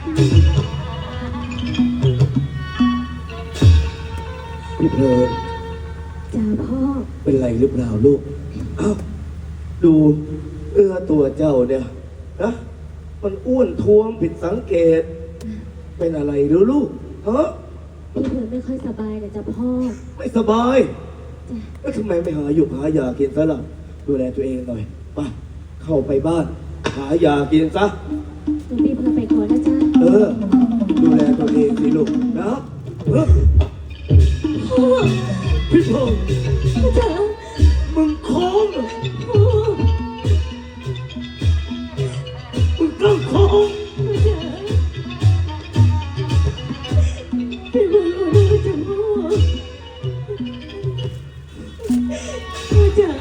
พี่เพลินจ้าพ่อเป็นไรหรือเปล่าลูกอ้าวดูตัวเจ้าเนี่ยนะมันอ้วนท้วมผิดสังเกต เป็นอะไรหรือลูกฮะพี่เผือกไม่ค่อยสบายเลยจ้าพ่อไม่สบายจ้ะแล้วทำไมไม่หาหยุกหายากินซะล่ะดูแลตัวเองหน่อยไปเข้าไปบ้าน หายากินซะหนูพี่เผือกไปก่อนนะจ้าดูแลตัวเองสิลูกนะพี่พงษ์จ้ามึงโค้งเหรอพ่อมึงต้องโค้งจ้าพี่เผือกขอโทษจ้าพ่อพ่อจ๋า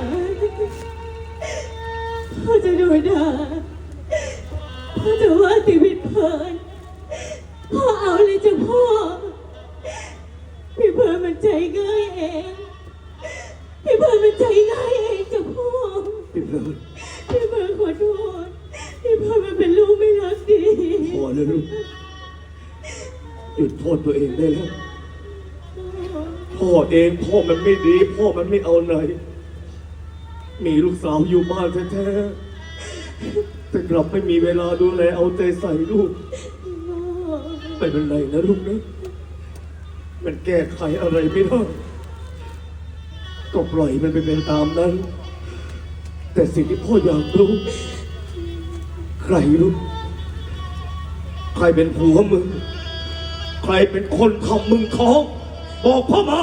พ่อจะโดนด่าพ่อจะว่าชีวิตเพลินพ่อเอาเลยจ้าพ่อพี่เพลินมันใจง่ายเองพี่เพลินมันใจง่ายเองจ้าพ่อพี่เพลินพี่เพลินขอโทษพี่เพลินมันเป็นลูกไม่รักดีพอเลยลูกหยุดโทษตัวเองได้แล้วพ่อเองพ่อมันไม่ดี พ่อมันไม่เอาไหนมีลูกสาวอยู่บ้านแท้ๆแต่กลับไม่มีเวลาดูแลเอาใจใส่ลูกไม่เป็นไรนะลูกนะมันแก้ไขอะไรไม่ได้ก็ปล่อยมันไปเป็นตามนั้น แต่สิ่งที่พ่ออยากรู้ใครรู้ใครเป็นผัวมึงใครเป็นคนทำมึงท้องบอกพ่อมา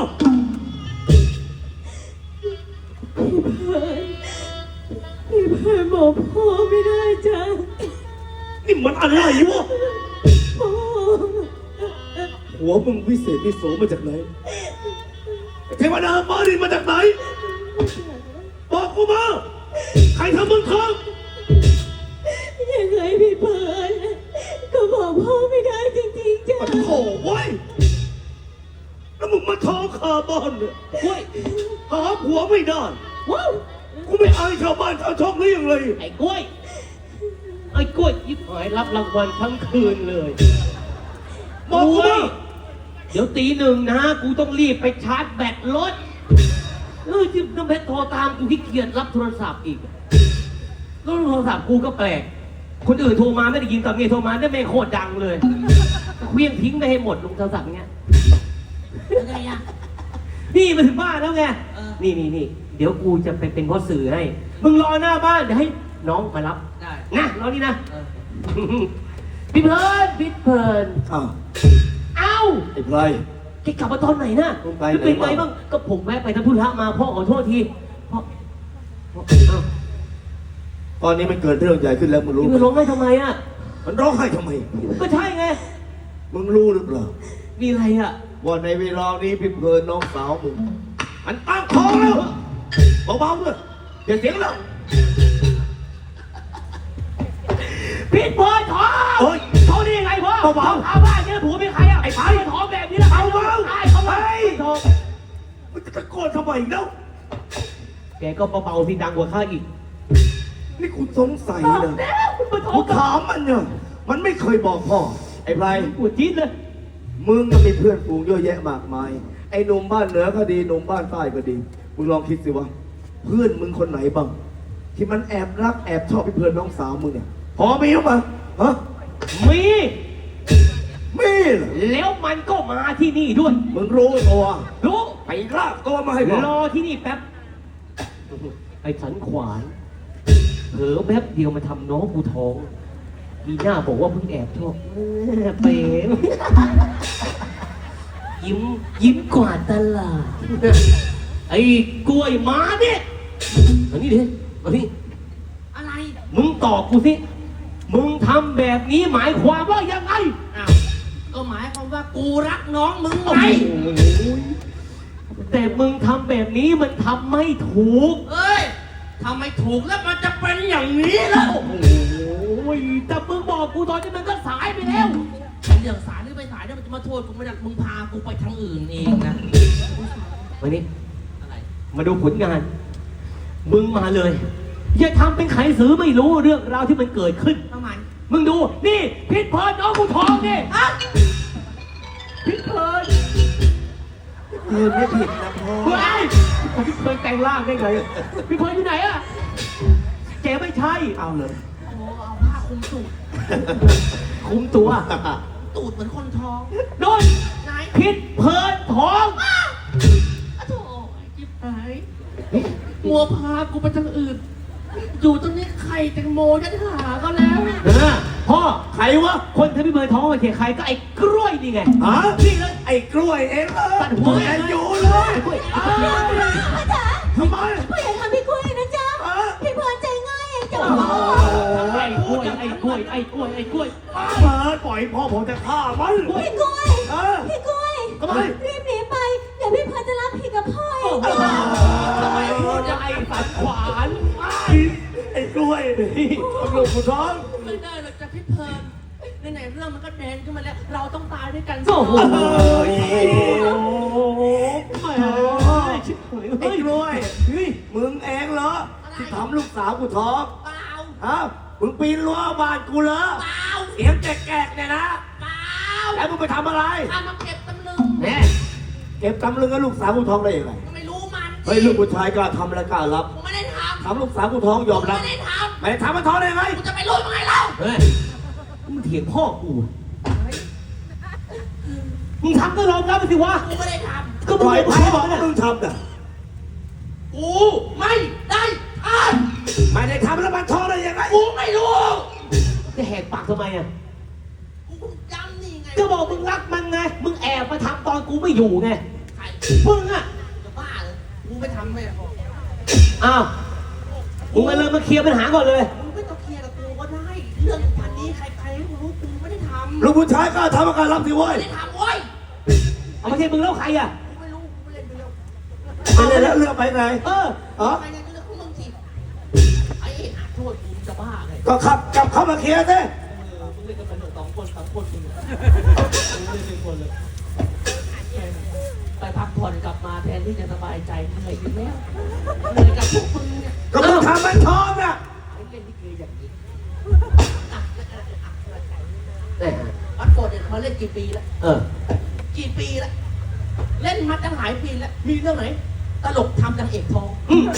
พี่เพลินบอกพ่อไม่ได้จ้ะนี่มันอะไรวะพ่อหัวมึงวิเศษวิโสมาจากไหนเทวดาฟ้าดินมาจากไหนบอกกูมาใครทำมึงท้องยังไงพี่เพลินก็บอกพ่อไม่ได้จริงๆจ้ะมาโถ่ไว้ยแล้วมึงมาท้องคาบ้านเนี่ยเฮ้ยหาผัวไม่ได้ว้าวกูไม่อายชาวบ้านชาวช่องเลี้ยงเลยไอ้กล้วย ไอ้กล้วยยิบหายรับรางวัลทั้งคืนเลยบอกกูมาเดี๋ยวตีหนึ่งนะ กูต้องรีบไปชาร์จแบตรถที่น้ำเพชรโทรตามกูขี้เกียจรับโทรศัพท์อีกแล้วโทรศัพท์กูก็แปลก คนอื่นโทรมาไม่ได้ยินกับเมียโทรมาได้ไม่โคตรดังเลยเคลี้ยงทิ้งไปให้หมดลงโทรศัพท์เงี้ยยังไงอะนี่มาถึงบ้านแล้วไง นี่ เดี๋ยวกูจะไปเป็นพ่อสื่อให้ มึงรอหน้าบ้านเดี๋ยวให้น้องมารับได้นะรอนี่นะ พี่เพลินพี่เพลินอ้าวเอ้าไอ้ไพรแกกลับมาตอนไหนนะมึงไปจะเป็นไหนไงวะบ้างก็ผมแวะไปทำธุระมาพ่อขอโทษทีพ่อเอ้าตอนนี้มันเกิดเรื่องใหญ่ขึ้นแล้วมึงรู้พี่ไหมมาร้องไห้ทำไมอ่ะมันร้องไห้ทำไมก็ใช่ไงมึงรู้หรือเปล่ามีอะไรอ่ะว่าในเวลานี้พี่เพลินน้องสาวมึงมันตั้งท้องแล้วเบาๆด้วยอย่าเสียงแล้วพี่เพลินท้องเฮ้ยท้องได้ยังไงพ่อเบาๆท้องบ้านเนี่ยผัวเป็นใครอ่ะไอ้พ่อท้องแบบนี้แล้วเบาๆตายเขาไปเฮ้ยท้องมันจะตะโกนทำไมอีกแล้วแกก็เบาๆสิดังกว่าข้าอีกนี่คุณสงสัยบอกนะแล้วคุณมาท้อกูงกับถามมันเนี่ยมันไม่เคยบอกพ่อไอ้ไพรปวดจี๊ดเลยมึงก็มีเพื่อนฝูงเยอะแยะมากมายไอ้หนุ่มบ้านเหนือก็ดีหนุ่มบ้านใต้ก็ดีมึงลองคิดสิว่าเพื่อนมึงคนไหนบ้างที่มันแอบรักแอบชอบพี่เพลินน้องสาวมึงเนี่ยพอมีหรือเปล่าฮะมีมีเหรอแล้วมันก็มาที่นี่ด้วยมึงรู้ตัวรู้ไปลากตัวมาให้พ่อรอที่นี่แป๊บ ไอ้สันขวานเผลอแป๊บเดียวมาทำน้องกูท้อง มีหน้าบอกว่าเพิ่งแอบชอบเป๋งยิ้มกว่าตลาด ไอ้กล้วยมาเนี่ยมานี่ดิมานี่อะไรมึงตอบกูสิ มึงทำแบบนี้หมายความว่ายังไงอ้าวก็หมายความว่ากูรักน้องมึงไงแต่มึงทำแบบนี้มันทำไม่ถูกเอ้ยทำไมถูกแล้วมันจะเป็นอย่างนี้แล้วโอ้ยแต่มึงบอกกูตอนนี้มันก็สายไปแล้วเรื่องสารหรือไปสายเนี่ยมันจะมาโทษกูไม่ได้มึงพากูไปทางอื่นเองนะมานี่อะไรมาดูผลงาน มึงมาเลย อย่าทำเป็นไขสือไม่รู้เรื่องราวที่มันเกิดขึ้นประมาณมึงดู นี่พิษพรน้องกูท้องร่างได้ไงพี่เพลินอยู่ไหนอะเจ๊ไม่ใช่เอาเลยโอ้เอาผ้าคลุมตูดคุมตัวตูดเหมือนคนท้องโดนไหนพิษเพลินท้องอ้าวโธ่ไอ้จิ๊บหายมัวพากูไปทางอื่น อยู่ตรงนี้ไข่แตงโมจะหาก็แล้วพ่อใครวะคนที่พี่เพลินท้องมาเขียใครก็ไอ้กล้วยนี่ไงฮะนี่เลยไอ้กล้วยเองเลยตัดหัวแอนอยู่เลยกล้วยอ้าวพ่อจ๋าทำไมพ่ออย่าทำพี่กล้วยนะจ๊ะฮะพี่เพลินใจง่ายเองจ้ะไอ้กล้วยไอ้กล้วยไอ้กล้วยไอ้กล้วยเปิดปล่อยพ่อผมจะฆ่ามันพี่กล้วยเออพี่กล้วยทำไมรีบหนีไป เดี๋ยวพี่เพลินจะรับผิดกับพ่อเองทำไมพูดจะไอ้สันขวานไอ้กล้วยนี่ลูกผู้ท้องไม่ได้หรอกจะพี่เพลินไหนๆเรื่องมันก็แดงขึ้นมาแล้ว เราต้องตายด้วยกันโอ้โหไอ้กล้วยมึงเองเหรอที่ทำลูกสาวกูท้องเปล่าฮะมึงปีนรั้วบ้านกูเหรอเปล่าเสียงแกกๆเนี่ยนะเปล่าแล้วมึงไปทำอะไรข้ามาเก็บตำลึงแน่เก็บตำลึงกับลูกสาวกูท้องได้ยังไงก็ไม่รู้มันเฮ้ยลูกผู้ชายกล้าทำและกล้ารับกูไม่ได้ททำลูกสาวกูท้องยอมำรับไม่ได้ทไม่ได้ทำมันท้องได้ยังไงำกูจะไปรู้ยังไงเล่าเฮ้ยมึงเถียงพ่อกูมึงทำก็ยอมรับไปสิวะกูไม่ได้ทก็ปมึงล่อยเป็นพ่พ่ออบอกน่ะมึงทำน่ะำกูไม่ได้ทไม่ได้ทำแล้วมันท้องได้ยังไงำกูไม่รู้จะแหกปากทำไมอ่ะกูจำนี่ไงก็บอกมึงรักมันไง มึงแอบมาทำตอนกูไม่อยู่ไงใครมึงอ่ะจะบ้าเลยกูไม่ทำไม่พออ้าวมึงมาเลยมาเคลียร์ปัญหาก่อนเลยมึงไม่ต้องเคลียร์กับกูก็ได้ เรื่องพันนี้ใครๆก็รู้กูไม่ได้ทำลูกผู้ชายกล้าทำและกล้ารับสิเว้ยไม่ได้ทำเว้ยเอาไม่ใช่มึงแล้วใครอ่ะกูไม่รู้กูไม่เล่นไปแล้วไปเลยแล้วเลือกไปไงเอออ๋อใครไงก็เรื่องของมึงสิไอ้หาโทษกูจะบ้าเลยก็ขับกลับเข้ามาเคลียร์สิมึงเล่นกันไปสองคนสามคนมึงมึงเล่นเป็นคนเลยไปพักผ่อนกลับมาแทนที่จะสบายใจเหนื่อยอยู่แล้วเหนื่อยกับพวกมึงเนี่ยก็มึงทำมันท้องน่ะเล่นลิเกอย่างนี้แน่วัดโกรธเนี่ยมาเล่นกี่ปีแล้วเออกี่ปีแล้ว เล่นมาตั้งหลายปีแล้ว มีเรื่องไหน ตลกทำนางเอกทองอืม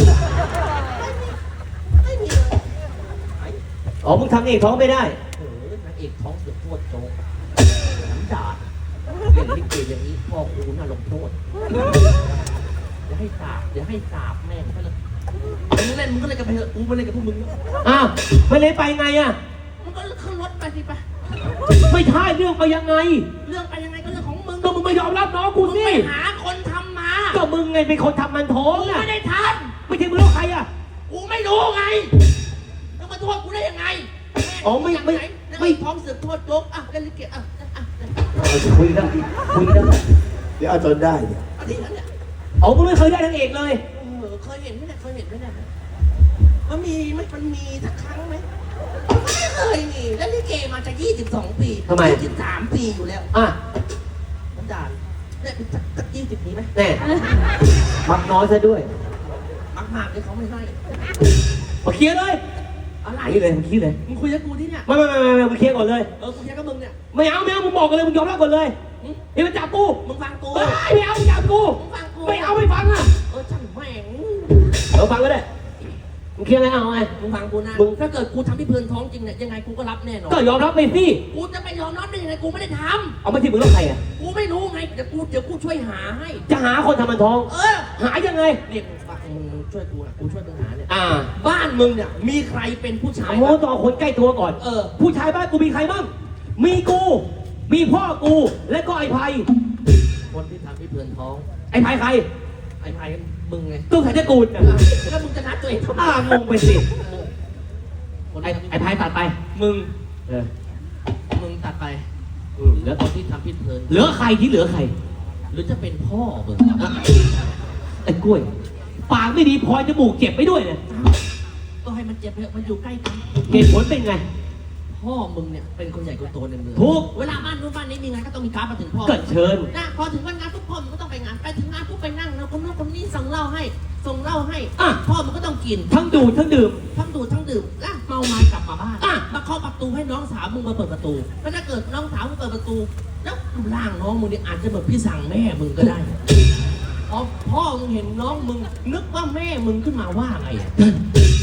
ไม่มีเลยอ๋อ มึงทำเองท้องไม่ได้โอ้ยนางเอกท้องเสือกโทษโจ๊กน้ำด่าเล่นลิเกอย่างนี้พ่อครูน่าลงโทษอย่าให้สาบอย่าให้สาบแม่งไปเลยมึงเล่นมึงก็เล่นกันไปเถอะกูไม่เล่นกับพวกมึงอ้าวไม่เล่นไปไงอ่ะมึงก็ขึ้นรถไปสิไปไม่ใช่เรื่องไปยังไงเรื่องไปยังไงก็เรื่องของมึงก็มึงไม่ยอมรับน้องกูมึงสิไปหาคนทำมาก็มึงไงเป็นคนทำมันท้องกูอ่ะไม่ได้ทไม่ใช่มึงแล้วใครอ่ะำกูไม่รู้ไงแล้วมาโทษกูได้ยังไงอ๋อไม่นางเอกท้องเสือกโทษโจ๊กอ่ะเล่นลิเกอ่ะคุยกันคุยกันเดี๋ยวเอาจนได้เนี่ยอันนี้นั่นเนี่ยอ๋อมึงไม่เคยได้นางเอกเลยเคยเห็นไหมเนี่ยเคยเห็นไหมเนี่ยมันมีไหมมันมีสักครั้งไหมไม่เคยมีแล้วลิเกมาจะ22 ปีทำไม 23 ปีอยู่แล้วอ่ะมันด่าเนี่ยสัก20 ปีไหมแน่มักน้อยซะด้วยมากๆเลยเขาไม่ให้มาเคลียร์เลยอะไรนี่เลยมาเคลียร์เลยมึงคุยกับกูที่เนี่ยไม่มาเคลียร์ก่อนเลยกูคุยกับมึงเนี่ยไม่เอามึงบอกกันเลยมึงยอมรับก่อนเลยเฮ้ยมันจับกูมึงฟังกูเฮ้ยไม่เอามึงจับกูมึงฟังกูไม่เอาไม่ฟังอ่ะช่างแม่งเราฟังก็ได้มึงเคลียร์อะไรเอาไงมึงฟังกูนะมึงถ้าเกิดกูทำที่เพลินท้องจริงเนี่ยยังไงกูก็รับแน่นอนก็ยอมรับไปสิกูจะไปยอมรับได้ยังไงกูไม่ได้ทเอาไม่ที่มึงแล้วใครอ่ะำกูไม่รู้ไงเดี๋ยวกูช่วยหาให้จะหาคนทำมันท้องเออหายังไงเรียกมึงฟังมึงช่วยกูนะกูช่วยมึงหาเนี่ยอ่าบ้านมึงเนี่ยมีใครเป็นผู้ชายโอ้ต้องเอาคนใกล้ตัวก่อนเออผู้ชายบ้านกูมีใครบ้าง มีกู มีพ่อกู และก็ไอ้ไผ่คนที่ทำที่เพลินท้องไอ้ไผ่ใครไอ้ไผ่มึงไงตู้ไผ่ตระกูลน่ะแล้วมึงจะนัดตัวเองทำไมงงไปสิคนไอ้ที่ทำไอ้ไผ่ตัดไปมึงเออมึงตัดไปเหลือคนที่ทำพิษเพลินเหลือใครที่เหลือใครหรือจะเป็นพ่อมึงไอ้กล้วย ปากไม่ดีพลอยจมูกเจ็บไปด้วยเนี่ยก็ให้มันเจ็บเถอะมันอยู่ใกล้กันเหตุผลเป็นไงพ่อมึงเนี่ยเป็นคนใหญ่คนโตในเมืองถูกเวลาบ้านนู้นบ้านนี้มีงานก็ต้องมีการ์ดมาถึงพ่อเกิดเชิญนะพอถึงวันงานทุกพ่อมึงก็ต้องไปงานไปถึงงานปุ๊บไปนั่งแล้วคนนู้นคนนี้ส่งเหล้าให้ส่งเหล้าให้อ่ะพ่อมึงก็ต้องกินทั้งดูดทั้งดื่มทั้งดูดทั้งดื่มแล้วเมาไม้กลับมาบ้านอ่ะมาเคาะประตูให้น้องสาวมึงมาเปิดประตูแล้วถ้าเกิดน้องสาวมึงเปิดประตู แล้วร่างน้องมึงเนี่ยอาจจะเหมือนพี่สั่งแม่มึงก็ได้พอพ่อมึงมึงเห็นน้องมึง นึกว่าแม่มึงขึ้นมาว่าไงอะ